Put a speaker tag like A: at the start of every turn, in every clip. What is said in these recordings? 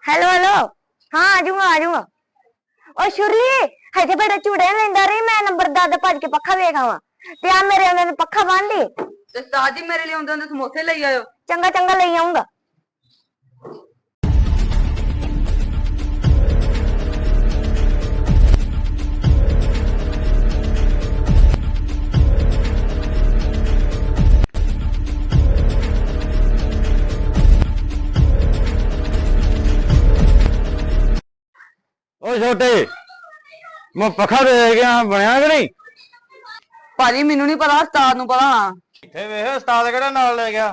A: Hello hello. हाँ आ जाऊंगा आ जाऊंगा। और शुरली हजे बड़ा चूड़े लेंदा रही मैं नंबर दादा भज के पक्खा वेख आवा ते आ मेरे ने पक्खा बांध दी
B: ਤੇ ਉਸਤਾਦ ਜੀ ਮੇਰੇ ਲਈ ਆਉਂਦੇ ਹੁੰਦੇ ਸਮੋਸੇ ਲਈ ਆਇਓ।
A: चंगा चंगा ले आऊंगा।
C: ਓ ਛੋਟੇ ਮੈਂ ਪੱਖਾ ਦੇ ਗਿਆ ਬਣਿਆ ਕਿ ਨਹੀਂ?
B: ਭਾਜੀ ਮੈਨੂੰ ਨਹੀਂ ਪਤਾ, ਉਸਤਾਦ ਨੂੰ ਪਤਾ ਹੋਣਾ।
C: ਇੱਥੇ ਵੇਖ ਉਸਤਾਦ ਕਿਹੜਾ ਨਾਲ ਲੈ ਗਿਆ।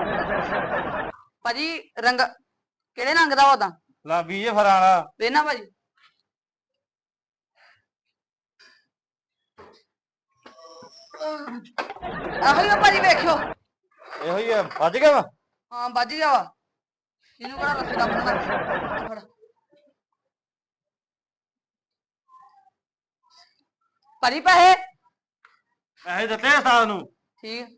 B: ਭਾਜੀ ਰੰਗ ਕਿਹੜੇ ਰੰਗ ਦਾ ਉਹਦਾ
C: ਲਾਬੀ ਜੇ ਫਰਾਂ ਵਾਲਾ।
B: ਵੇਨਾ ਭਾਜੀ। ਆਹੋ ਹੀ ਆ ਭਾਜੀ, ਵੇਖਿਓ।
C: ਇਹੋ ਹੀ ਆ, ਵੱਜ ਗਿਆ ਵਾ।
B: ਹਾਂ ਵੱਜ ਗਿਆ ਵਾ। ਇਹਨੂੰ ਕਿਹੜਾ ਰੱਸੀ ਦਾ ਬੰਨਣਾ। ਫੜ ਭਾਜੀ ਪੈਸੇ।
C: ਪੈਸੇ ਦਿੱਤੇ ਉਸਤਾਦ ਨੂੰ।
B: ਠੀਕ।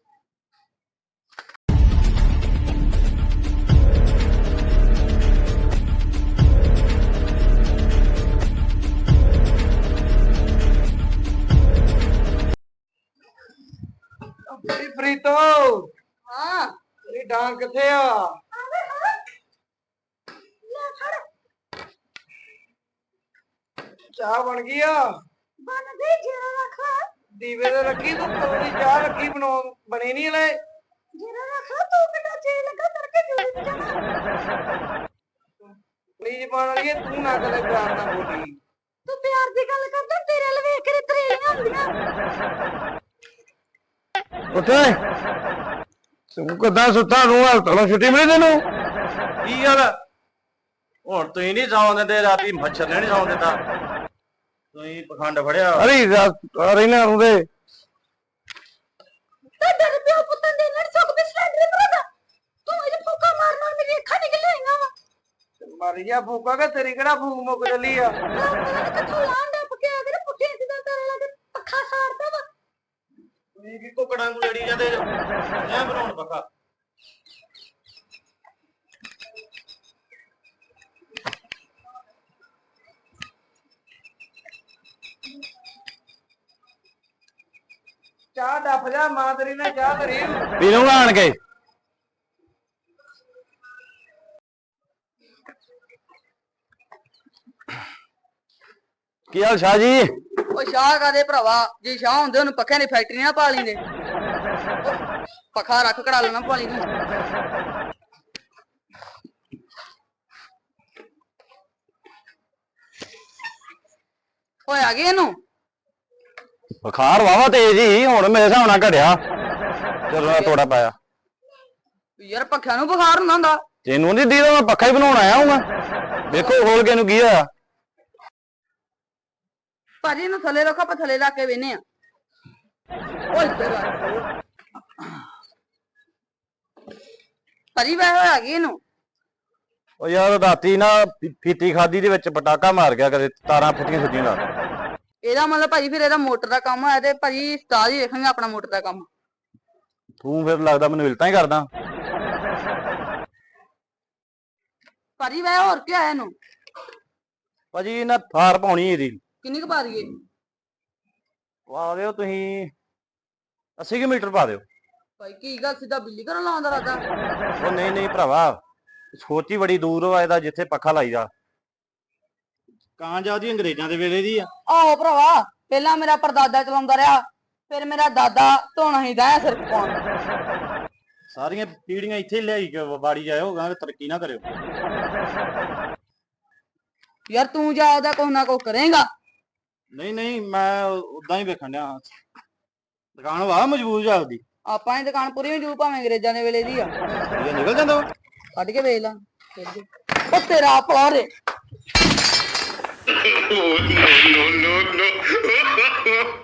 C: ਪ੍ਰੀਤੋ
B: ਹਾਂ
C: ਤੇਰੀ ਡਾਂਗ ਕਿੱਥੇ ਆ? ਚਾਹ ਬਣ ਗਈ ਆ?
A: बन गई जीरा रखा
C: ਦੀਵੇ ਤੇ ਰੱਖੀ ਤੂੰ ਕਦੋਂ ਦੀ ਚਾਹ ਰੱਖੀ ਬਣੀ ਨਹੀਂ ਹਲੇ।
A: जीरा रखा तू कितना जी लगा करके जोड़ी में जाना
C: ਪਲੀਜ਼ ਬਣ ਵਾਲੀ ਤੂੰ ਨਾ ਕਦੇ ਪਿਆਰ ਨਾਲ ਬੋਲੀ।
A: तू प्यार दी गल करदा तेरे अल वेख के तरेलियां हुंदियां।
C: ਉੱਠੇ ਤੂੰ ਕਿੱਦਾਂ ਸੁੱਤਾ ਨੂੰ ਹਾਲ ਤੋ ਛੁੱਟੀ ਮਿਲੀ ਤੈਨੂੰ? ਕੀ ਗੱਲ ਹੁਣ ਤੁਸੀਂ ਨਹੀਂ ਸੌਂ ਦਿੰਦੇ ਰਾਤੀ ਮੱਛਰ ਨੇ ਨਹੀਂ ਸੌਂ ਦਿੰਦਾ। ਤੁਸੀਂ ਪਖੰਡ ਫੜਿਆ ਅਰੇ ਰਹਿਣਾ ਹੁੰਦੇ
A: ਤੁਹਾਡਾ ਤੇ ਪਿਓ ਪੁੱਤਾਂ ਦੇ ਨਾਲ ਸੁੱਖ ਬਿਸਰਾ ਦੇ ਭਰਾਦਾ ਤੂੰ ਇਹ ਫੂਕਾ ਮਾਰਨਾ ਮੇਰੀ ਅੱਖਾਂ ਨਿਕਲ ਆਈਆਂ ਵਾ।
C: ਮਰ ਗਿਆ ਫੂਕਾ ਕਿ ਤੇਰੀ ਕਿਹੜਾ ਫੂਕ ਮੁੱਕ ਚੱਲੀ ਆ?
A: ਕਿੱਥੋਂ ਲਾਂਡਾ ਪੱਕਿਆ ਕਰ ਪੁੱਠੇ ਸਿੱਧਾ ਤੇਰੇ ਲਾਗੇ ਪੱਖਾ ਸਾੜਦਾ ਵਾ।
C: ਤੁਸੀਂ ਕੀ ਕੁਕੜਾਂ ਨੂੰ ਲੜੀ ਜਾਂਦੇ ਜੋ ਐ ਬਣਾਉਣ ਪੱਕਾ। ਚਾਹ ਡੱਫ ਜਾ, ਮਾਂ ਤੇਰੀ ਨੇ ਚਾਹ ਧਰੀ ਪੀ ਲੂੰਗਾ ਆਣ ਕੇ। ਕੀ ਹਾਲ ਸ਼ਾਹ ਜੀ?
B: ਉਹ ਸ਼ਾਹ ਕਾਦੇ ਭਰਾਵਾ, ਜੇ ਸ਼ਾਹ ਹੁੰਦੇ ਉਹਨੂੰ ਪੱਖਿਆਂ ਦੀ ਫੈਕਟਰੀ ਨਾ ਪਾ ਲੈਂਦੇ। ਪੱਖਾ ਰੱਖ ਕਢਾ ਲੈਣਾ ਪਾਲੀ ਨੂੰ। ਓਏ ਆ ਗਏ ਇਹਨੂੰ।
C: ਬੁਖਾਰ ਵਾਵਾ ਤੇਜ਼ ਹੀ ਹੁਣ ਮੇਰੇ ਹਿਸਾਬ ਨਾਲ ਘਟਿਆ ਜਦੋਂ ਮੈਂ ਤੋੜਾ ਪਾਇਆ।
B: ਯਾਰ ਪੱਖਿਆਂ ਨੂੰ ਬੁਖਾਰ ਹੁੰਦਾ ਹੁੰਦਾ।
C: ਤੈਨੂੰ ਨਹੀਂ ਦੀਦਾ ਮੈਂ ਪੱਖਾ ਹੀ ਬਣਾਉਣ ਆਇਆ ਹਾਂ। ਵੇਖੋ ਖੋਲ ਕੇ ਇਹਨੂੰ ਕੀ ਹੋਇਆ।
B: ਭਾਜੀ ਇਹਨੂੰ ਥੱਲੇ ਰੱਖੋ, ਆਪਾਂ ਥੱਲੇ ਲਾ ਕੇ ਵੇਨੇ ਆ। ਓਏ ਇੱਧਰ ਆ। ਭਾਜੀ ਵੈਸੇ ਹੋਇਆ ਕੀ ਇਹਨੂੰ?
C: ਉਹ ਯਾਰ ਰਾਤੀ ਨਾ ਫੀਤੀ ਖਾਦੀ ਦੇ ਵਿੱਚ ਪਟਾਕਾ ਮਾਰ ਗਿਆ, ਕਦੇ ਤਾਰਾਂ ਫੁੱਟੀਆਂ ਸੁੱਟੀਆਂ ਨਾਲ।
B: ਇਹਦਾ ਮਤਲਬ ਭਾਜੀ ਫਿਰ ਇਹਦਾ ਮੋਟਰ ਦਾ ਕੰਮ ਹੋਇਆ ਤੇ ਭਾਜੀ ਉਸਤਾਦ ਹੀ ਵੇਖਾਂਗੇ ਆਪਣਾ ਮੋਟਰ ਦਾ ਕੰਮ।
C: ਤੂੰ ਫਿਰ ਲੱਗਦਾ ਮੈਨੂੰ ਇਲਤਾਂ ਹੀ ਕਰਦਾ।
B: ਭਾਜੀ ਵੈਸੇ ਹੋਰ ਕੀ ਆਇਆ ਇਹਨੂੰ?
C: ਭਾਜੀ ਨਾ ਥਾਰ ਪਾਉਣੀ ਇਹਦੀ।
B: ਕਿੰਨੀ ਕੁ ਪਾ ਦਈਏ?
C: ਪਾ ਦਿਓ ਤੁਸੀਂ 80 ਮੀਟਰ ਪਾ ਦਿਓ।
B: ਭਾਈ ਕੀ ਗੱਲ ਸਿੱਧਾ ਬਿੱਲੀ ਘਰੋਂ ਲਾਉਂਦਾ ਰਾਦਾ?
C: ਉਹ ਨਹੀਂ ਨਹੀਂ ਭਰਾਵਾ, ਸੋਚ ਹੀ ਬੜੀ ਦੂਰ ਵਾ ਇਹਦਾ ਜਿੱਥੇ ਪੱਖਾ ਲਾਈਦਾ। ਕਾਂ ਜਾਂਦੀ ਅੰਗਰੇਜ਼ਾਂ ਦੇ ਵੇਲੇ ਦੀ ਆ।
B: ਆਹੋ ਭਰਾਵਾ, ਪਹਿਲਾਂ ਮੇਰਾ ਪਰਦਾਦਾ ਚਲਾਉਂਦਾ ਰਿਹਾ, ਫਿਰ ਮੇਰਾ ਦਾਦਾ ਧੋਣਾ ਹੀ ਦਾ ਸਿਰ ਪਾਉਣ।
C: ਸਾਰੀਆਂ ਪੀੜੀਆਂ ਇੱਥੇ ਲਿਆਈ ਕੇ ਬਾੜੀ ਜਾਇਓ, ਗਾਂ ਤਰੱਕੀ ਨਾ ਕਰਿਓ।
B: ਯਾਰ ਤੂੰ ਜਾ ਉਹਦਾ ਕੁਛ ਨਾ ਕੁਛ ਕਰੇਗਾ।
C: ਨਹੀਂ ਨਹੀਂ ਮੈਂ ਉਦਾਂ ਹੀ ਵੇਖਣ ਡਿਆ। ਦੁਕਾਨ ਵਾ ਮਜ਼ਬੂਤ ਜਾਪਦੀ।
B: ਆਪਾਂ ਦੀ ਦੁਕਾਨ ਪੂਰੀ ਮਜੂਦ ਭਾਵੇਂ ਅੰਗਰੇਜ਼ਾਂ ਦੇ ਵੇਲੇ ਦੀ ਆ।
C: ਸਰੀਆ ਨਿਕਲ ਜਾਂਦਾ ਵਾ।
B: ਕੱਢ ਕੇ ਵੇਚ ਲਾ। ਉਹ ਤੇਰਾ ਭਲਾ ਰੇ।
D: no, no, no, no.